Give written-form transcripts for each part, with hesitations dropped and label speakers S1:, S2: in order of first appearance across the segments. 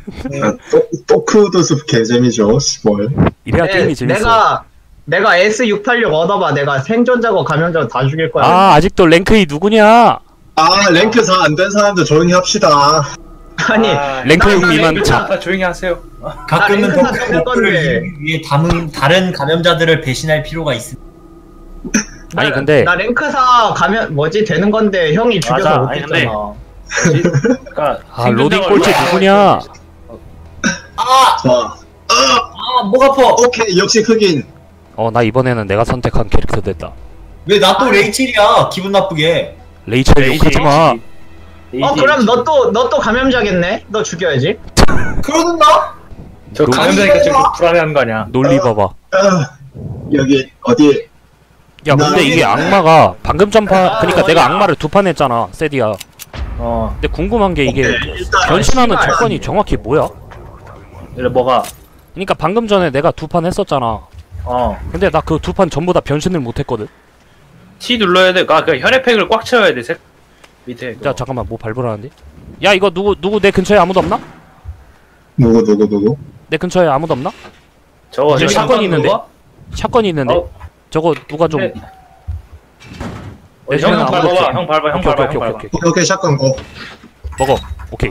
S1: 토크도스 개재미죠. 뭘.
S2: 이래야 게임이 재밌어.
S3: 내가 S686 얻어봐. 내가 생존자고 감염자고 다 죽일 거야.
S2: 아 아직도 랭크 2 누구냐?
S1: 아 랭크 4 안 된 사람들 조용히 합시다.
S3: 아니
S2: 랭크 6 미만 자.
S4: 조용히 하세요.
S5: 가끔은
S3: 랭크사
S5: 더 큰
S3: 될
S5: 목표를
S3: 건데.
S5: 이루기 위해 다른 감염자들을 배신할 필요가 있습니다.
S2: 아니 근데
S3: 나 랭크사 가면 뭐지 되는 건데 형이 죽여서
S4: 맞아.
S3: 못
S4: 아니,
S3: 했잖아.
S4: 그러니까
S2: 아 로딩 꼴찌 누구냐?
S1: 자,
S5: 목 아파.
S1: 오케이 역시 흑인.
S2: 나 이번에는 내가 선택한 캐릭터 됐다.
S5: 왜 나 또 레이첼이야? 기분 나쁘게.
S2: 레이첼 욕하지마.
S3: 그럼 너 또 감염자겠네? 너 죽여야지.
S5: 그러는가?
S4: 저 감염자니까 지금 불안해하는 거 아니야?
S2: 논리 봐봐.
S1: 여기 어디?
S2: 야 근데 이게 악마가 방금 전파 그니까 내가 악마를 2판 했잖아 세디야. 근데 궁금한 게 이게 변신하는 조건이 정확히 뭐야?
S4: 이래 뭐가?
S2: 그니까 방금 전에 내가 2판 했었잖아. 근데 나 그 2판 전부 다 변신을 못했거든.
S4: T 눌러야 돼. 그 혈액팩을 꽉 채워야 돼. 밑에.
S2: 야 잠깐만 뭐 발부라는데? 야 이거 누구 내 근처에 아무도 없나?
S1: 누구?
S2: 내 근처에 아무도 없나?
S4: 저거
S2: 저기 샷건이 있는데?
S4: 누가?
S2: 샷건이 있는데? 저거 누가 좀
S4: 네.
S2: 내
S4: 형
S2: 주변에 아무도 없지?
S4: 밟아봐. 형 밟아. 형 밟아. 형 밟아.
S1: 오케이 샷건 고.
S2: 먹어. 오케이.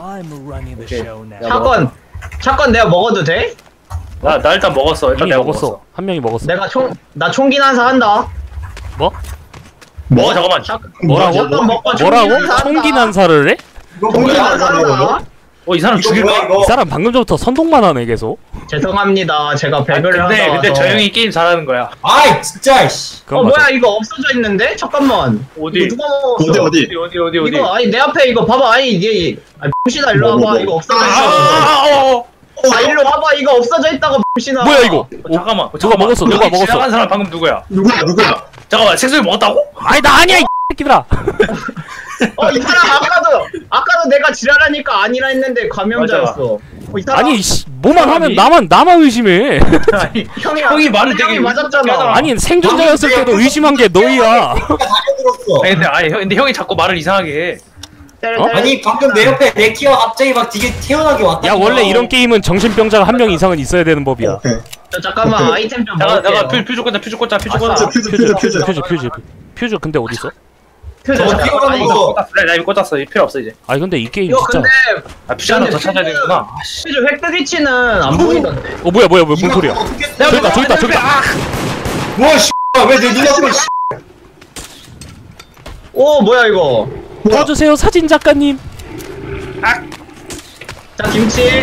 S3: 샷건 내가 먹어도 돼?
S4: 나 일단 먹었어. 일단
S2: 이미
S4: 내가
S2: 먹었어. 한 명이 먹었어.
S3: 나 총기 난사 한다.
S2: 뭐?
S4: 잠깐만.
S2: 뭐라고?
S3: 샷건 먹고
S2: 뭐라고?
S3: 난사 한다.
S2: 총기 난사를 해?
S3: 총기 난사 한다.
S4: 이 사람 죽일까?
S2: 이 사람 방금 전부터 선동만 하네 계속.
S3: 죄송합니다. 제가 배그를 하다
S4: 근데
S3: 와서.
S4: 저 형이 게임 잘하는 거야.
S5: 아이 진짜 씨.
S2: 그건
S3: 뭐야
S2: 맞아.
S3: 이거 없어져 있는데? 잠깐만.
S4: 어디?
S3: 이거 누가 먹었어?
S1: 어디?
S3: 이거 아니 내 앞에 이거 봐봐. 아니 이게 병신아 일로 와봐.
S1: 뭐.
S3: 이거 없어져 있어. 일로 와봐. 이거 없어져 있다고 병신아.
S2: 뭐야 이거?
S4: 잠깐만.
S2: 누가 먹었어? 누가 먹었어?
S4: 지나간 사람 방금 누구야?
S1: 누구야?
S4: 잠깐만. 색소리 먹었다고?
S2: 아니 나 아니야 이 새끼들아.
S3: 이 사람 아까도 내가 지랄하니까 아니라 했는데 감염자였어. 이 사람
S2: 아니 뭐만 하면 나만 의심해.
S4: 아니
S3: 형이
S4: 말을 되게
S3: 맞았잖아.
S2: 아니 생존자였을 때도 의심한 게 너희야.
S5: 다녀들었어.
S4: 근데 형이 자꾸 말을 이상하게 해.
S5: 아니 방금 내 옆에 레키가 갑자기 막 되게 태어나게 왔다.
S2: 야 원래 이런 게임은 정신병자가 한 명 이상은 있어야 되는 법이야.
S1: 오케이.
S3: 저 잠깐만 아이템 좀
S4: 잠깐
S3: 먹을게요.
S4: 퓨즈 꽂자.
S2: 퓨즈 근데 어디 있어?
S5: 저거 뛰어가는 거.
S4: 그래 나 이거 꽂았어. 이 필요 없어 이제.
S2: 아니 근데 이 게임
S3: 이거
S2: 진짜.
S3: 근데
S4: 퓨즈 하나 더 찾아야 되는구나.
S3: 퓨즈 획득 위치는 안 보이던데.
S2: 뭐야 뭔 소리야? 저기 있다.
S5: 뭐 씨. 왜내 눈앞에 씨.
S3: 오 뭐야 이거.
S2: 도와주세요 사진 작가님.
S3: 자 김치.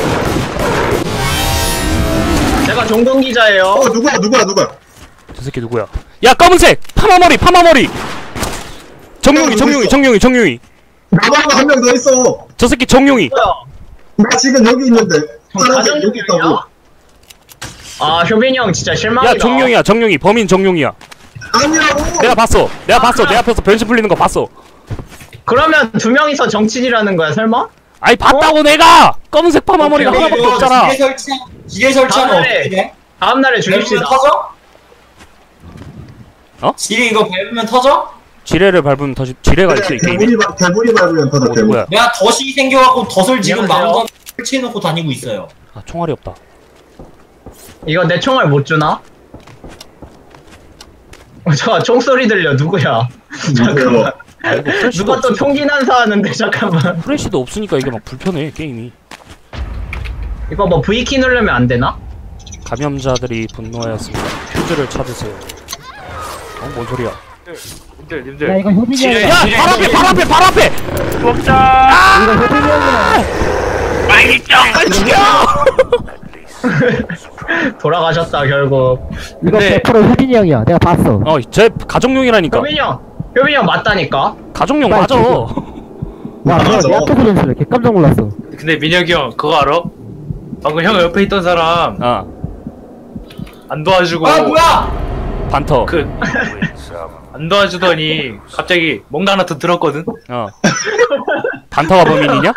S3: 제가 종동 기자예요.
S1: 누구야?
S2: 저 새끼 누구야? 야 검은색 파마머리. 정용이.
S1: 나만 한 명 더 있어.
S2: 저 새끼 정용이.
S1: 나 지금 여기 있는데.
S3: 가정
S1: 여기 있다고.
S3: 중이야? 아 효빈이 형 진짜 실망이다.
S2: 야 정용이 범인 정용이야.
S1: 아니라고.
S2: 내가 봤어. 내 앞에서 변신 풀리는 거 봤어.
S3: 그러면 두 명이서 정치질하는 거야 설마?
S2: 아니 봤다고 내가. 검은색 파마머리가
S3: 오케이,
S2: 하나밖에 없잖아.
S5: 기계 설치하면
S3: 다음날에
S5: 어떻게 돼?
S3: 다음날에
S5: 밟으면
S3: 죽입시다.
S5: 터져?
S2: 어?
S5: 지뢰 이거 밟으면 터져?
S2: 지뢰를 밟으면 지뢰가 있어 이 게임에.
S1: 개구리 밟으면 터져. 개구리.
S2: 뭐야?
S5: 내가 덫이 생겨갖고 덫을 지금
S3: 안녕하세요.
S5: 마음껏 설치해놓고 다니고 있어요.
S2: 아 총알이 없다.
S3: 이거 내 총알 못 주나? 잠깐 총소리 들려 누구야? 잠깐만.
S2: 아 이거 프레시도
S3: 누가 또
S2: 없으니까.
S3: 총기 난사하는데 잠깐만.
S2: 프레시도 없으니까 이게 막 불편해 게임이.
S3: 이거 뭐 V키 누르면 안 되나?
S2: 감염자들이 분노하였습니다. 퓨즈를 찾으세요. 뭔 소리야?
S4: 님들.
S6: 야 이거 효빈이 형이야.
S2: 야 발 앞에.
S4: 먹자.
S6: 이거 효빈이 형이야.
S2: 빨리 죽여.
S3: 돌아가셨다 결국.
S6: 이거
S4: 근데-
S6: 100% 효빈이 형이야. 내가 봤어.
S2: 제 가족용이라니까.
S3: 효빈이 형 맞다니까?
S2: 가족용
S6: 빨리
S2: 맞아.
S6: 죽여. 와 내가
S1: 맞아.
S6: 내 앞에서 변수를 개 깜짝 놀랐어.
S4: 근데 민혁이 형 그거 알아? 방금 형 옆에 있던 사람 안 도와주고
S5: 아 뭐야!
S2: 반터.
S4: 안 도와주더니 갑자기 뭔가 하나 더 들었거든?
S2: 반터가 범인이냐?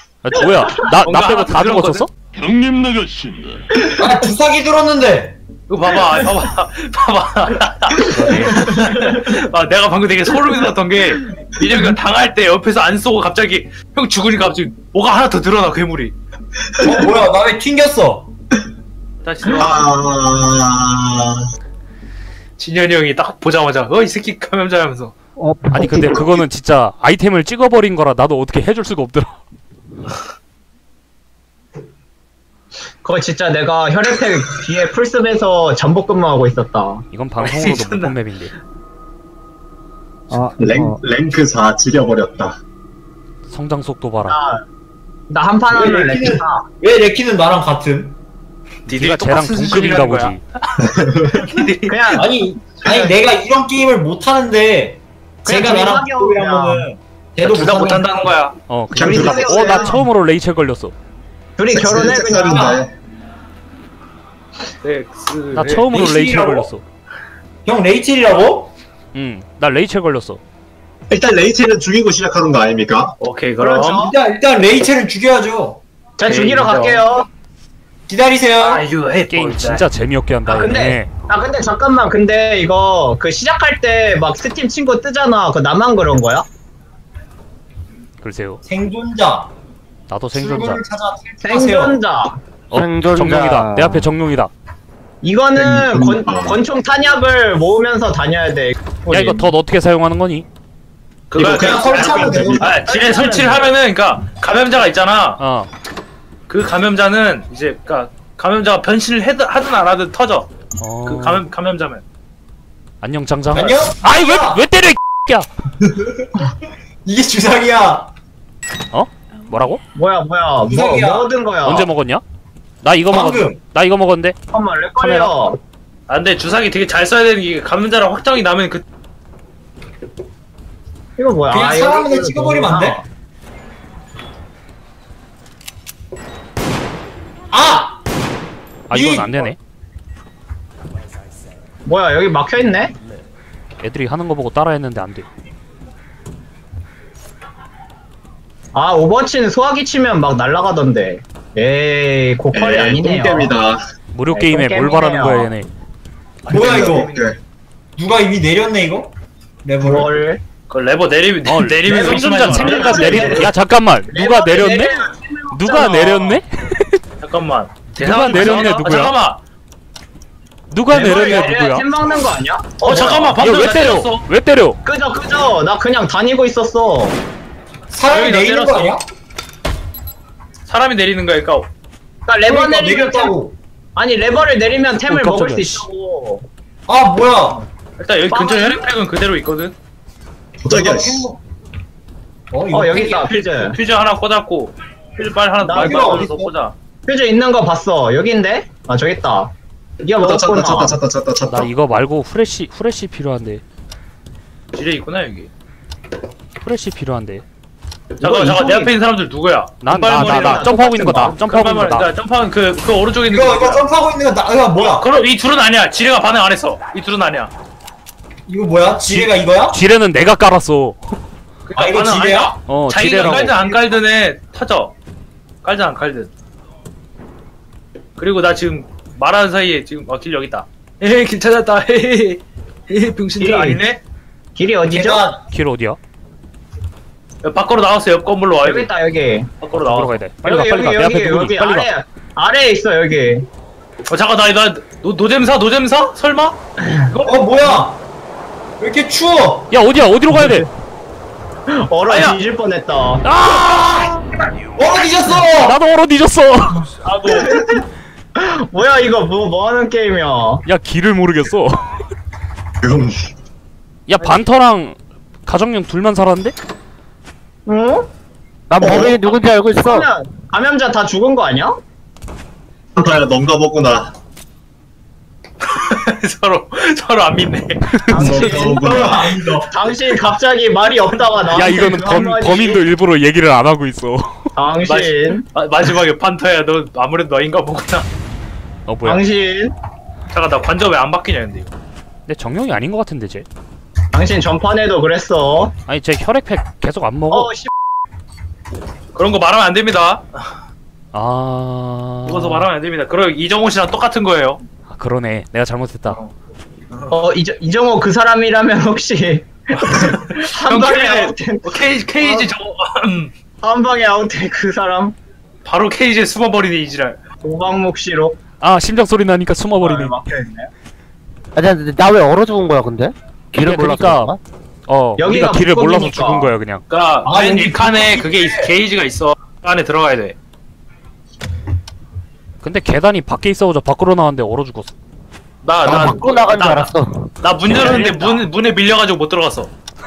S2: 뭐야? 나
S4: 뭔가
S2: 빼고
S4: 하나
S2: 다
S4: 들었거든?
S2: 죽었었어?
S7: 형님 나가신다.
S5: 아 주사기 들었는데!
S4: 이거 봐봐, 봐봐. 아, 내가 방금 되게 소름이 돋았던 게, 민혁이가 당할 때 옆에서 안 쏘고 갑자기, 형 죽으니까 갑자기 뭐가 하나 더 늘어나, 괴물이.
S5: 뭐야, 나 왜 튕겼어?
S4: 다시
S1: 아,
S4: 진현이 형이 딱 보자마자, 이 새끼 감염자라면서.
S2: 아니 근데 그거는 진짜 아이템을 찍어버린 거라 나도 어떻게 해줄 수가 없더라.
S3: 그거 진짜 내가 혈액팩 뒤에 풀숲에서 잠복 근무하고 있었다.
S2: 이건 방송으로도 못 본 맵인데.
S1: 랭크 4 지려버렸다.
S2: 성장 속도 봐라.
S3: 나 한 판 하면 렉다.
S5: 왜 레키는 나랑 같음?
S2: 네가 쟤랑 동급인가 보지.
S3: 그냥
S5: 아니 내가 이런 게임을 못 하는데
S3: 그냥
S5: 제가 나랑
S3: 둘이
S5: 동급이라면은 걔도
S4: 둘 다 못한다는 거야.
S1: 그냥
S2: 그러니까
S1: 둘이
S2: 나 처음으로 레이첼 걸렸어.
S3: 둘이 결혼해 그냥.
S2: 나 처음으로 레이첼 걸렸어.
S5: 형 레이첼이라고?
S2: 나 레이첼 걸렸어.
S1: 일단 레이첼은 죽이고 시작하는 거 아닙니까?
S4: 오케이, 그럼.
S3: 그렇죠.
S5: 일단 레이첼을 죽여야죠.
S3: 자 죽이러
S4: 인정.
S3: 갈게요.
S5: 기다리세요.
S4: 아유,
S2: 게임 진짜 재미없게 한다.
S3: 근데 잠깐만 근데 이거 그 시작할 때 막 스팀 친구 뜨잖아. 그 나만 그런 거야?
S2: 글쎄요.
S5: 생존자.
S2: 나도 생존자.
S5: 출구를 찾아 탈출하세요.
S3: 생존자.
S6: 생존자.
S2: 정룡이다. 내 앞에 정룡이다.
S3: 이거는 권총 탄약을 모으면서 다녀야 돼.
S2: 야 이거 덧 어떻게 사용하는 거니?
S4: 그거
S5: 그냥 설치하면 되고.
S4: 지뢰 설치를 하면은, 그니까, 감염자가 있잖아. 그 감염자는, 이제, 감염자가 변신을 하든 안 하든 터져. 그 감염자면.
S2: 안녕 장장.
S5: 안녕?
S2: 아이 왜 때려 이 야.
S5: 이게 주사기야.
S2: 뭐라고?
S3: 뭐야 뭐
S5: 이상이야.
S3: 얻은 거야?
S2: 언제 먹었냐? 나 이거
S5: 방금.
S2: 나 이거 먹었는데.
S3: 잠깐만 렉 걸려.
S4: 아, 근데 주사기 되게 잘 써야 되는 게, 감염자랑 확정이 나면
S3: 이거 뭐야?
S5: 그냥
S3: 이거
S5: 사람을
S3: 이거
S5: 찍어버리면 안 돼?
S3: 뭐야?
S2: 이건 안 되네.
S3: 뭐야 여기 막혀 있네?
S2: 애들이 하는 거 보고 따라했는데 안 돼.
S3: 아 오버워치는 소화기 치면 막 날아가던데. 에이 고퀄이 아니네요.
S1: 똥겜이다.
S2: 무료
S3: 네,
S2: 게임에 뭘
S3: 게임이네요.
S2: 바라는 거야 얘네.
S5: 뭐야 이거?
S1: 똥겜.
S5: 누가 이미 내렸네 이거? 레버를.
S3: 뭘?
S4: 그 레버 내리면
S2: 생존자
S4: 의심하지 마.
S2: 내리. 야 잠깐만. 누가 내렸네? 누가 내렸네?
S4: 잠깐만.
S2: 누가 내렸네, 누구야?
S4: 잠깐만.
S2: 누가 내렸네 누구야?
S3: 팀 막는 거 아니야?
S4: 잠깐만.
S2: 이거
S4: 방금
S2: 왜
S4: 나
S2: 때려?
S4: 때렸어.
S2: 왜 때려?
S3: 그저 나 그냥 다니고 있었어.
S5: 사람이
S4: 여기 나
S5: 내리는 거
S4: 때렸어.
S5: 아니야?
S4: 사람이 내리는 거니까.
S3: 그러니까 레버
S5: 그러니까
S3: 내리면
S5: 내렸다고.
S3: 아니 레버를 내리면 템을 먹을 수
S2: 깜짝이야.
S3: 있다고.
S5: 아 뭐야?
S4: 일단 여기 근처 혈액팩은 그대로 있거든.
S1: 저기야.
S5: 이거
S3: 여기 있다 퓨즈.
S4: 퓨즈 하나 꽂았고, 퓨즈 빨리 하나
S3: 나
S4: 빨리
S5: 이거
S4: 어디서
S5: 어딨어?
S4: 꽂아.
S3: 퓨즈 있는 거 봤어. 여기인데? 아 저기 있다. 이거
S1: 찾다
S3: 먹었구나.
S1: 찾다.
S2: 나 이거 말고 후레쉬 필요한데.
S4: 지뢰 있구나 여기.
S2: 후레쉬 필요한데.
S4: 잠깐 내 앞에 있는 사람들 누구야?
S2: 나
S4: 금발머리랑
S2: 점프하고 있는 거다. 점프하고 있는 거다.
S4: 금발머리, 점프하는 그 오른쪽에 있는
S5: 이거
S4: 거.
S5: 점프하고 있는 거 나 뭐야?
S4: 그럼 이 둘은 아니야. 지뢰가 반응 안 했어. 이 둘은 아니야.
S5: 이거 뭐야? 지뢰가 이거야?
S2: 지뢰는 내가 깔았어.
S5: 아, 이거
S4: 반응 안
S5: 지뢰야?
S4: 했어. 자기가
S2: 지뢰라고.
S4: 깔든 안 깔든 해 터져. 깔든 안 깔든. 그리고 나 지금 말하는 사이에 지금 길 여기 있다. 에헤 길 찾았다. 헤헤 병신들
S3: 길.
S4: 아니네.
S3: 길이 어디죠?
S5: 계단.
S2: 길 어디야?
S4: 야, 밖으로 나왔어. 옆 건물로 와.
S3: 여기 있다 여기.
S4: 밖으로
S2: 어디로
S4: 나와.
S2: 가야 돼? 빨리 가. 내 앞에 누구니?
S3: 여기
S2: 빨리 가.
S3: 아래에 있어 여기.
S4: 잠깐 나 노잼사? 설마?
S5: 뭐야? 왜 이렇게 추워?
S2: 야 어디야? 어디로 가야 돼?
S3: 얼어
S4: 아야.
S3: 뒤질 뻔했다.
S5: 뒤졌어!
S2: 나도 얼어 뒤졌어.
S3: 뭐야 이거 뭐 하는 게임이야?
S2: 야 길을 모르겠어.
S1: 그럼
S2: 야 반터랑 가정용 둘만 살았는데?
S3: 응?
S6: 난 범인이 누군지 알고 있어.
S3: 감염자 다 죽은 거 아니야?
S1: 한타야 넌가 보구나.
S4: 서로 안 믿네.
S3: 당신 갑자기 말이 없다가 나.
S2: 야 이거는 범인도 일부러 얘기를 안 하고 있어.
S3: 당신.
S4: 마지막에 판터야. 너 아무래도 너인가 보구나.
S2: 뭐야?
S3: 당신.
S4: 잠깐 나 관절 왜 안 바뀌냐 근데 이거.
S2: 근데 정령이 아닌 것 같은데 쟤.
S3: 당신 전판에도 그랬어.
S2: 아니 쟤 혈액팩 계속 안 먹어.
S3: 씨.
S4: 그런 거 말하면 안 됩니다.
S2: 아.
S4: 이거서 말하면 안 됩니다. 그럼 이정호 씨랑 똑같은 거예요.
S2: 그러네. 내가 잘못했다.
S3: 이정호 그 사람이라면 혹시 한 방에 아웃된
S4: 케이지 저거
S3: 한 방에 아웃된 그 사람
S4: 바로 케이지에 숨어버리네 이지랄.
S3: 오방목 씨로
S2: 아 심장 소리 나니까 숨어버리네.
S3: 막혀있네.
S6: 아니 나 왜 얼어 죽은 거야 근데? 길을 몰라서
S2: 그러니까
S6: 그런가?
S2: 우리가
S3: 여기가
S2: 길을 몰라서
S3: 북극이니까.
S2: 죽은 거야 그냥.
S4: 그니까 맨 1칸에 그게 게이지가 있어. 그 안에 들어가야 돼.
S2: 근데 계단이 밖에 있어서 밖으로 나왔는데 얼어 죽었어.
S6: 나 밖으로 나간 줄 알았어.
S4: 나 문 열었는데 문에 밀려가지고 못 들어갔어.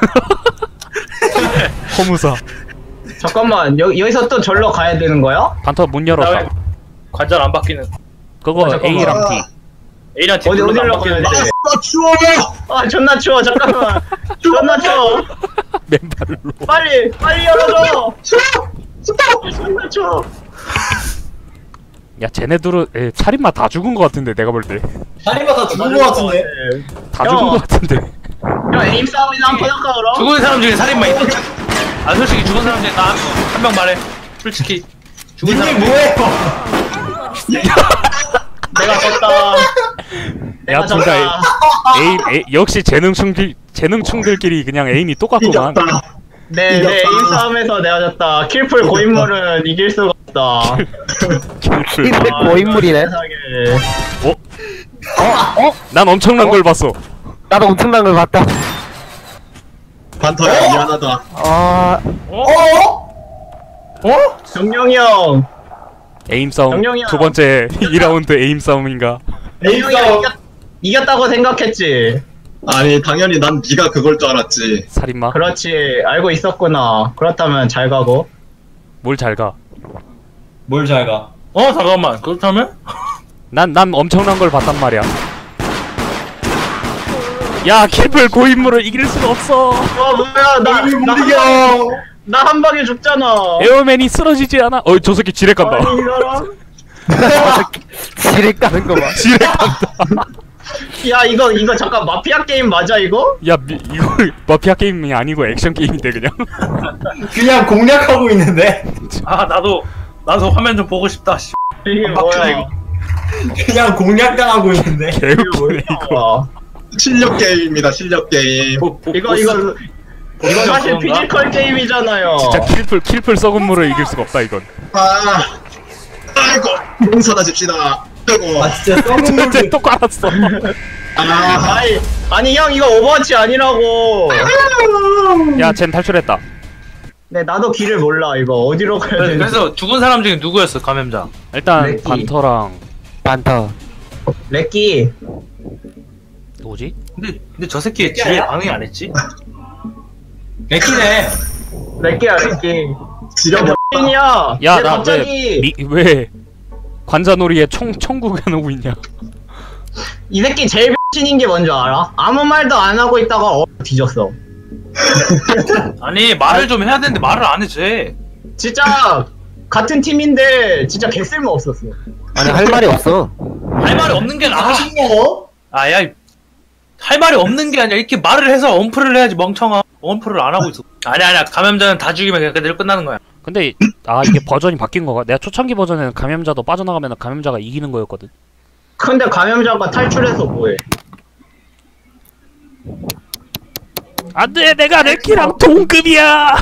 S2: 허무사.
S3: 잠깐만 여기서 또 절로 가야 되는 거야?
S2: 반터 문 열었다.
S4: 관절 안 바뀌는.
S2: 그거
S3: 잠깐만.
S2: A랑 T.
S4: A랑 T
S3: 어디로 가야 돼?
S1: 아 추워.
S3: 아 존나 추워 잠깐만 존나 추워
S2: 맨발로.
S3: 빨리 열어줘 존나 추워
S2: 야 쟤네들은 살인마 다 죽은 거 같은데 내가 볼 때.
S5: 살인마 다 죽은 거 같은데.
S2: 다 죽은 거 같은데.
S3: 형 에임 싸움이나 한번 할까 그럼?
S4: 죽은 사람 중에 살인마 있어. 아 솔직히 죽은 사람 중에 나 한 명 말해. 솔직히 죽은 사람
S5: 뭐해?
S3: 내가 졌다
S2: 야 둘 다 에임 역시 재능충들끼리 그냥 에임이 똑같구만.
S1: 이겼다.
S3: 네 에임 싸움에서 내가 졌다 킬풀 고인물은 이길 수가 없다
S2: 킬풀.
S6: 근데 고인물이네.
S3: 세상에.
S2: 난 엄청난 걸 봤어.
S6: 나도 엄청난 걸 봤다.
S1: 반터야 미안하다.
S3: 정영이 형
S2: 에임 싸움
S3: 정령이야.
S2: 두 번째 2라운드 에임 싸움인가?
S3: 정영이 형 이겼다고 생각했지
S1: 아니 당연히 난 네가 그걸 줄 알았지.
S2: 살인마?
S3: 그렇지 알고 있었구나 그렇다면 잘 가고
S2: 뭘 잘 가?
S5: 뭘 잘 가?
S4: 잠깐만. 그렇다면?
S2: 난 엄청난 걸 봤단 말이야. 야 킬풀 고인물을 이길 수가 없어.
S3: 뭐야 나 한 방에 죽잖아
S2: 에어맨이 쓰러지지 않아? 저 새끼 지뢰 깐다.
S3: 아니, 이 사람?
S6: 지뢰 까는 거 봐.
S2: 지뢰 깐다.
S3: 야 이거 잠깐 마피아 게임 맞아 이거?
S2: 야 이거 마피아 게임이 아니고 액션 게임인데 그냥.
S5: 그냥 공략하고 있는데.
S4: 아 나도 화면 좀 보고 싶다. 씨.
S3: 이게 뭐야 이거
S5: 그냥 공략당하고 있는데.
S2: 개웃기네 이거.
S1: 실력 게임입니다. 실력 게임.
S3: 이거 사실 피지컬 게임이잖아요
S2: 진짜 킬풀 썩은 물을 이길 수가 없다 이건.
S1: 아이고 용서나 줍시다. 아이고.
S5: 진짜 썩은
S2: 쟤 또 깔았어.
S3: 아니 형 이거 오버워치 아니라고
S2: 야 쟨 탈출했다.
S3: 네 나도 길을 몰라 이거 어디로 가야 되는지
S4: 그래서 죽은 사람 중에 누구였어 감염자?
S2: 일단
S3: 레키.
S2: 반터랑
S6: 반터.
S3: 렉기
S2: 누구지?
S4: 근데 저 새끼 지뢰 반응이 안 했지?
S5: 맥히네.
S3: 렉기야 렉기
S1: 지려버.
S3: 야
S2: 야 나
S3: 갑자기
S2: 왜 관자놀이에 총 구겨놓고 있냐?
S3: 이 새끼 제일 신인 게 뭔지 알아? 아무 말도 안 하고 있다가 뒤졌어
S4: 아니 말을 좀 해야 되는데 말을 안 해 쟤.
S3: 진짜 같은 팀인데 진짜 개쓸모 없었어
S6: 아니 할 말이 없어.
S4: 할 말이 없는 게 나아. 아야 할 말이 없는 게 아니라 이렇게 말을 해서 언플을 해야지 멍청아. 언플을 안 하고 있어. 아니야 감염자는 다 죽이면 그냥 그대로 끝나는 거야.
S2: 근데 이게 버전이 바뀐 거가? 내가 초창기 버전에는 감염자도 빠져나가면 감염자가 이기는 거였거든.
S3: 근데 감염자가 탈출해서 뭐해
S2: 안돼 내가 레키랑 동급이야.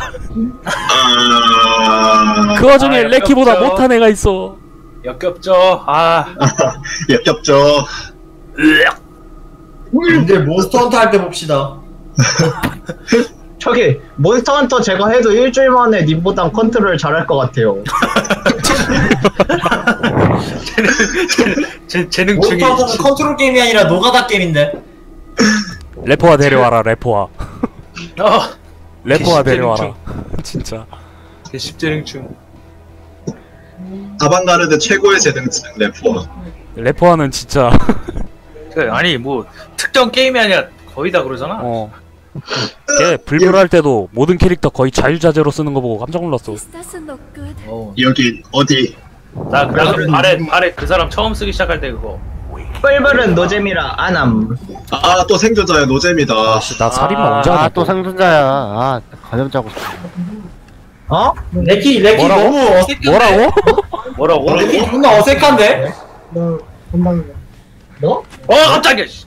S2: 그 와중에 레키보다
S4: 역겹죠.
S2: 못한 애가 있어.
S4: 역겹죠.
S1: 역겹죠.
S5: 근데 몬스터 헌터 할 때 봅시다.
S3: 저기 몬스터 헌터 제가 해도 일주일 만에 님보단 컨트롤 잘할 것 같아요
S4: 재능 중이.
S5: 몬스터 헌터는 컨트롤 게임이 아니라 노가다 게임인데.
S2: 래퍼와 데려와라 래퍼와. 래퍼와
S4: 개십재능충.
S2: 데려와라. 진짜.
S4: 개십재능충.
S1: 아방가르드 최고의 재능층 래퍼.
S2: 래퍼와는 진짜.
S4: 아니 뭐 특정 게임이 아니라 거의 다 그러잖아.
S2: 걔 불불할 때도 모든 캐릭터 거의 자유자재로 쓰는 거 보고 깜짝 놀랐어.
S1: 여기 어디?
S4: 나 발에 그 사람 처음 쓰기 시작할 때 그거.
S3: 뿔뿔은 노잼이라 안함
S1: 또 생존자야 노잼이다.
S2: 나 살인마 언제 하냐?
S6: 또 생존자야. 감염자고 싶어.
S3: 어?
S5: 레키
S2: 뭐라고?
S5: 너무 어색.
S2: 뭐라고?
S4: 뭐라고?
S5: 레키 존나 어색한데?
S3: 뭐?
S4: 깜짝이야. 씨.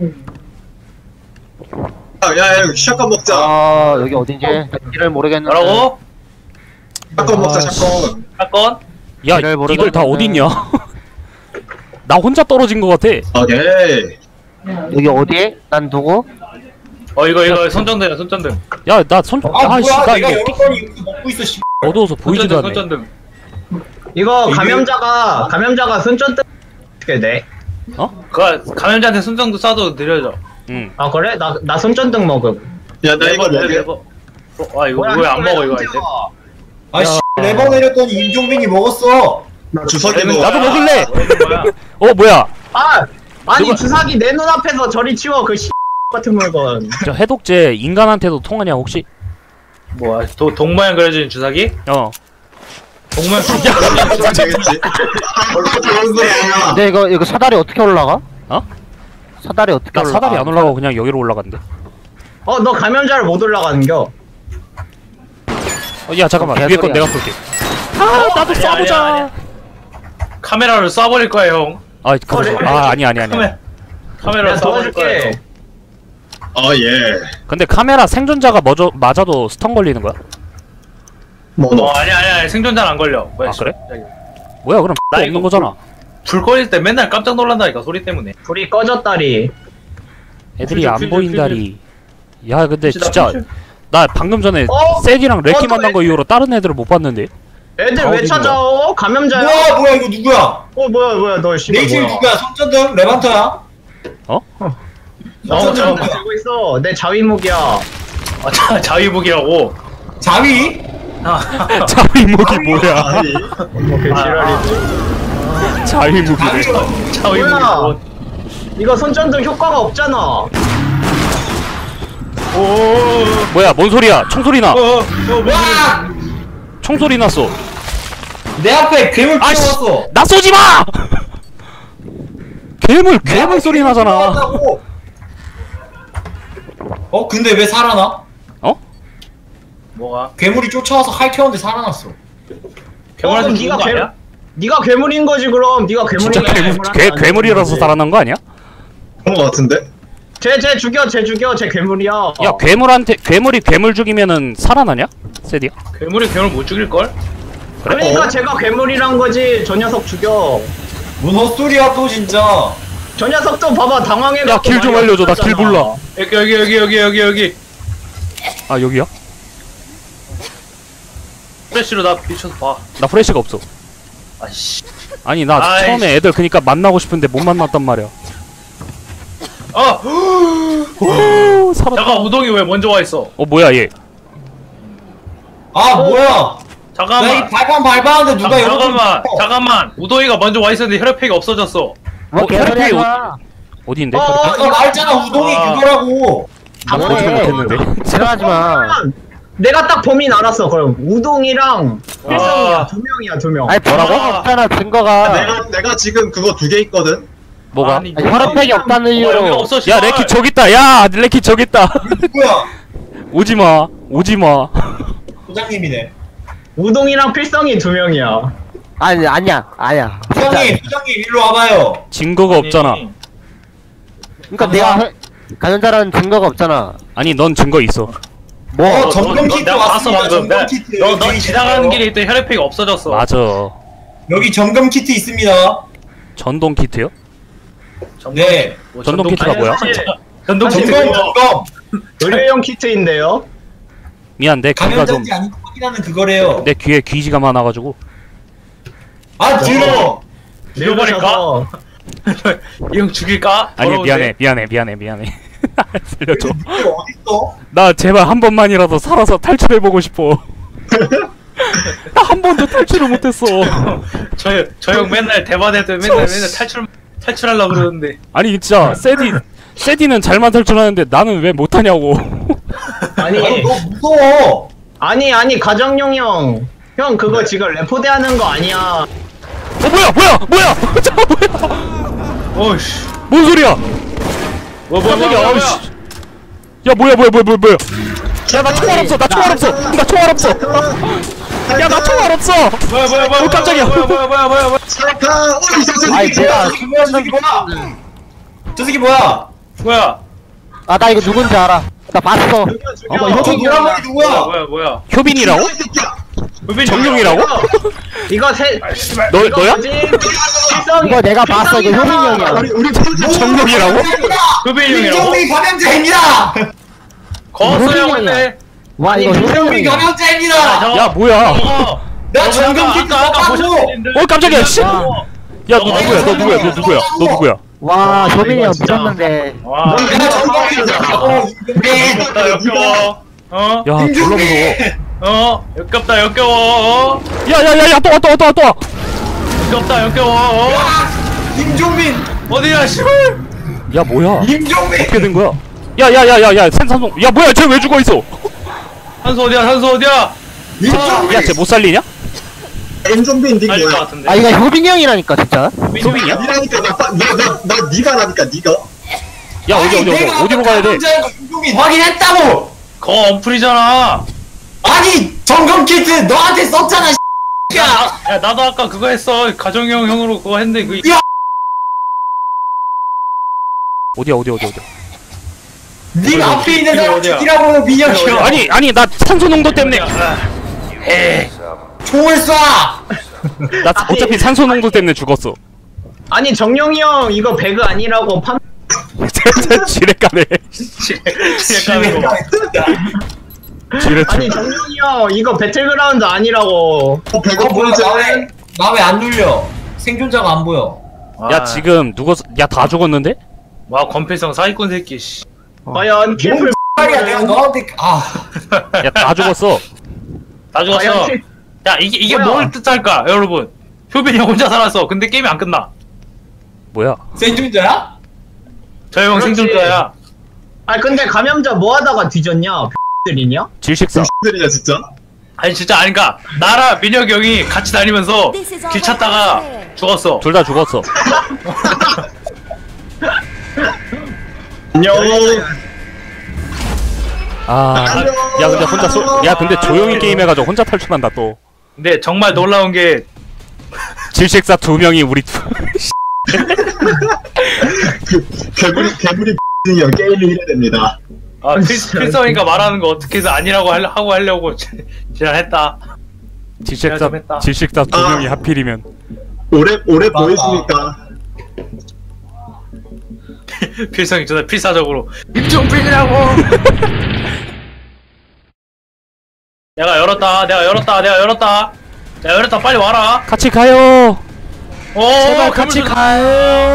S1: 야, 샷건 먹자.
S6: 아 여기 어딘지 길을 모르겠는데.
S4: 뭐라고?
S1: 샷건 먹자, 샷건.
S4: 사건?
S2: 야
S6: 길을
S2: 이들 다
S6: 모르겠는데.
S2: 어딨냐? 나 혼자 떨어진 것 같아.
S1: 오케이.
S6: 여기 어디? 난 누구?
S4: 이거 손전등이야 손전등.
S2: 야 나 손.. 아씨 나 이거
S5: 여러 번 이거 먹고 있어 씨.
S2: 어두워서 보이지도 않네.
S4: 손전등.
S3: 이거 감염자가 손전등 어떻게 돼?
S4: 그 감염자한테 손전등 쏴도 느려져.
S2: 응.
S3: 아 그래? 나 손전등 먹음.
S1: 야, 나 이거 먹게.
S4: 이거 왜 안 먹어 이거 아이템?
S5: 아씨 레버 내렸더니 임종빈이 먹었어.
S1: 나 주석이도.
S2: 나도 먹을래.
S4: 뭐야?
S2: 뭐야?
S3: 아니
S2: 누가-
S3: 주사기 내 눈앞에서 저리 치워 그 같은 물건.
S2: 저 해독제 인간한테도 통하냐 혹시?
S4: 뭐야? 동모양 그려진 주사기? 동모양
S1: 되겠지. 얼마 좋은 거야.
S6: 근데 이거 사다리 어떻게 올라가?
S2: 어?
S6: 사다리 어떻게
S2: 나
S6: 올라가?
S2: 사다리 안 올라가고 그냥 여기로 올라간대.
S3: 너 감염자를 못 올라가는겨.
S2: 야 잠깐만 위에 건 내가 쏠게. 나도 쏴보자.
S4: 카메라를 쏴버릴 거야 형.
S2: 아니.
S4: 카메라
S3: 내가
S4: 쏴버릴 거야.
S3: 도와줄게.
S1: 예.
S2: 근데 카메라 생존자가 맞아도 스턴 걸리는 거야?
S4: 아니야 생존자는 안 걸려.
S2: 아, 그래? 뭐야 그럼
S4: 나
S2: 없는
S4: 이거
S2: 거잖아.
S4: 불 꺼질 때 맨날 깜짝 놀란다니까 소리 때문에.
S3: 불이 꺼졌다리.
S2: 애들이
S4: 퓨즈,
S2: 안
S4: 퓨즈,
S2: 보인다리. 야 근데
S4: 퓨즈다,
S2: 진짜
S4: 퓨즈.
S2: 나 방금 전에 세디랑 레키 만난 거 이후로 다른 애들을 못 봤는데.
S3: 애들
S2: 다
S3: 왜
S2: 어디
S3: 찾아? 감염자야?
S5: 뭐야 이거 누구야?
S3: 뭐야 너 씨발
S5: 네이실
S3: 뭐야?
S5: 누구야? 손전등 레반터야?
S3: 손전등 들고 있어. 내 자위목이야.
S4: 자위복이라고.
S5: 자위?
S2: 자위목이 뭐야?
S1: 아니.
S3: 그 지랄이지.
S2: 자위목이래.
S4: 자위복.
S3: 이거 손전등 효과가 없잖아.
S2: 뭐야 뭔 소리야? 총소리 나.
S5: 와!
S2: 총소리 났어.
S5: 내 앞에 괴물
S2: 아이씨.
S5: 뛰어왔어.
S2: 나 쏘지 마! 괴물 소리 나잖아.
S5: 근데 왜 살아나?
S4: 뭐가?
S5: 괴물이 쫓아와서 할퀴었는데 살아났어.
S4: 괴물한테 죽은 거 아니야?
S3: 네가 괴물인 거지 그럼. 네가 괴물인
S2: 진짜
S3: 거야.
S2: 괴물이라서 살아난 거 아니야?
S1: 그런 거 같은데?
S3: 쟤 죽여. 쟤 괴물이야.
S2: 야 괴물이 괴물 죽이면은 살아나냐? 세디야?
S4: 괴물이 괴물 못 죽일 걸?
S3: 그러니까 쟤가 괴물이란 거지. 저 녀석 죽여.
S5: 뭔 헛소리야 또 진짜.
S3: 저 녀석도 봐봐 당황해갖고.
S2: 야, 길 좀 알려줘. 나 길 몰라.
S4: 여기.
S2: 아 여기야?
S4: 프레쉬로 나 비춰서 봐.
S2: 나 프레시가 없어.
S4: 아이씨.
S2: 아니 나
S4: 아이씨.
S2: 처음에 애들 그니까 만나고 싶은데 못 만났단 말이야. 오, 살았다.
S4: 잠깐 우동이 왜 먼저 와 있어?
S2: 뭐야 얘?
S5: 뭐야? 나 이
S4: 잠깐만.
S5: 발판 밟았는데 누가
S4: 잠깐만. 우동이가 먼저 와 있었는데 혈액팩이 없어졌어.
S6: 뭐 개소리 하지 마.
S2: 어디인데?
S5: 아까 말했잖아 우동이 그거라고.
S2: 나 보지도 못했는데.
S6: 지랄하지 마.
S3: 내가 딱 범인 알았어. 그럼 우동이랑 필성이야. 2명이야 2명.
S6: 아니 뭐라고? 없잖아 증거가.
S1: 내가 지금 그거 2개 있거든?
S2: 뭐가?
S4: 아니,
S6: 혈액팩이 없다는
S4: 여기
S6: 이유로.
S4: 없어.
S2: 야 레키 저기 있다. 야 레키 저기 있다.
S5: 누구야?
S2: 오지마.
S5: 부장님이네.
S3: 우동이랑 필성이 2명이야.
S6: 아니야.
S5: 부장님 일로 와봐요.
S2: 증거가 없잖아.
S6: 그러니까 내가 감염자라는 증거가 없잖아.
S2: 아니 넌 증거 있어.
S6: 뭐?
S5: 점검 키트
S4: 내가 봤어
S5: 왔습니다.
S4: 방금.
S5: 점검 키트.
S4: 너
S5: 여기
S4: 지나가는
S5: 있어요.
S4: 길에 있던 혈액팩이 없어졌어.
S2: 맞아.
S5: 여기 점검 키트 있습니다.
S2: 전동 키트요?
S5: 네.
S2: 전동 키트가 뭐야?
S4: 전동 키트.
S5: 점검.
S3: 의료용 키트인데요.
S2: 미안 내 귀가 좀
S5: 감염자인지 아닌지 확인하는 그거래요.
S2: 내 귀에 귀지가 많아가지고.
S5: 들어.
S4: 죽여버릴까? 이 형 죽일까?
S2: 아니
S4: 더러운데?
S2: 미안해. 살려줘.
S5: 누구 어딨어?
S2: 나 제발 한 번만이라도 살아서 탈출해보고 싶어. 나 한 번도 탈출을 못했어.
S4: 저 형 맨날 대바될 때 맨날 탈출하려고 그러는데.
S2: 아니 진짜 세디는 잘만 탈출하는데 나는 왜 못하냐고.
S3: 아니
S5: 너 무서워.
S3: 아니 가정용 형. 형 그거 지금 레포대 하는 거 아니야.
S2: 뭐야? 잠깐 뭐야?
S4: 어이씨.
S2: 뭔 소리야?
S4: 깜짝이야.
S2: 아우씨. 야 뭐야? 야 나 총알 없어. 야 나 총알 없어.
S4: 뭐야.
S2: 깜짝이야.
S4: 뭐야.
S1: 사카!
S6: 아니 내가
S5: 이거야. 저 새끼 뭐야?
S4: 뭐야?
S6: 아 나 이거 누군지 알아. 나 봤어.
S5: 저 노란 머리 누구야?
S4: 뭐야?
S2: 효빈이라고?
S4: 효빈이
S2: 정룡이라고?
S3: 이거 세
S2: 너야?
S6: 이거 내가 봤어. 이거 효빈이 형이야.
S1: 우리
S2: 정룡이라고?
S4: 효빈이 형이라고?
S5: 김종민 감염자입니다.
S4: 거스형
S6: 효빈이
S4: 근데
S6: 와 이거 효빈이
S5: 김종민
S6: 형이야.
S5: 감염자입니다.
S2: 야 뭐야?
S5: 나 정경기도
S4: 아까
S5: 똑같고.
S2: 어 깜짝이야 씨!
S6: 와,
S2: 야 너 누구야? 너 누구야? 너 누구야? 너 누구야?
S6: 와 효빈이 형
S3: 진짜.
S6: 믿었는데.
S4: 와.
S5: 내가 정경기도 똑같고.
S4: 역겹다 역겨워. 어?
S2: 야 졸라 무서워.
S4: 역겹다 역겨워.
S2: 야야야야 또 와 또 와 또 와 또 와.
S4: 역겹다 역겨워.
S5: 김종민.
S4: 어디야 씨발.
S2: 야 뭐야?
S5: 김종민.
S2: 어떻게 된 거야? 야야야야야 생산송. 야 뭐야 쟤 왜 죽어 있어?
S4: 산소 어디야 산소 어디야?
S5: 김종민.
S2: 야 쟤 못 살리냐?
S1: 엔좀비 닉
S4: 살릴 것
S1: 뭐야?
S4: 같은데.
S6: 아 이거 효빈이 형이라니까 진짜.
S2: 효빈이야?
S1: 니라니까 나 니가라니까 니가.
S2: 야 어디로 가야 돼?
S5: 감염자인 거 김종민 확인했다고.
S4: 거 언플이잖아.
S5: 아니 점검 키트 너한테 썼잖아.
S4: 야 나도 아까 그거 했어. 가정용 형으로 그거 했는데 그.
S2: 어디야?
S5: 네 앞에 있는 사람
S4: 어디야?
S5: 죽이라고 민혁이야.
S2: 아니 나 산소 농도 때문에
S4: 에이.
S5: 총을 쏴.
S2: 나 어차피 산소 농도 때문에 죽었어.
S3: 아니 정룡이 형 이거 배그 아니라고 판
S2: 지뢰가네.
S4: 지뢰 거.
S2: 지뢰.
S3: 아니 정룡이 형 이거 배틀그라운드 아니라고.
S1: 배가 보이지?
S5: 나왜 안 눌려? 생존자가 안 보여.
S2: 야 지금 누구? 야 다 죽었는데?
S4: 와 권필성 사기꾼 새끼 씨.
S3: 과연 킬플
S5: 말이야 내가 너한테
S2: 야 다 죽었어.
S4: 다 죽었어.
S3: 과연 킬
S4: 야 이게
S3: 뭐야?
S4: 뭘 뜻할까 여러분? 효빈이 형 혼자 살았어. 근데 게임이 안 끝나.
S2: 뭐야?
S5: 생존자야?
S4: 저 형
S3: 그렇지.
S4: 생존자야.
S3: 아 근데 감염자 뭐 하다가 뒤졌냐? 들이냐?
S2: 질식사.
S1: 들이냐 진짜?
S4: 아니 진짜 아니까 나랑 민혁이 형이 같이 다니면서 길 찾다가 죽었어.
S2: 둘 다 죽었어.
S1: 안녕.
S2: 야 근데 혼자 야 근데 조용히 게임해가지고 혼자 탈출한다 또.
S4: 근데 정말 놀라운 게
S2: 질식사 2명이 우리
S1: 개구리 이요 게임이 이래 됩니다.
S4: 필성이가 말하는 거 어떻게 해서 아니라고 하고 하려고 지랄했다.
S2: 질식사
S4: 좀 했다.
S2: 2명이 하필이면.
S1: 오래 보이시니까.
S4: 필성이 전에 필사적으로 임종필이라고. 내가 열었다. 야 열었다 빨리 와라.
S2: 같이 가요.
S4: 오
S2: 제발 같이 가요.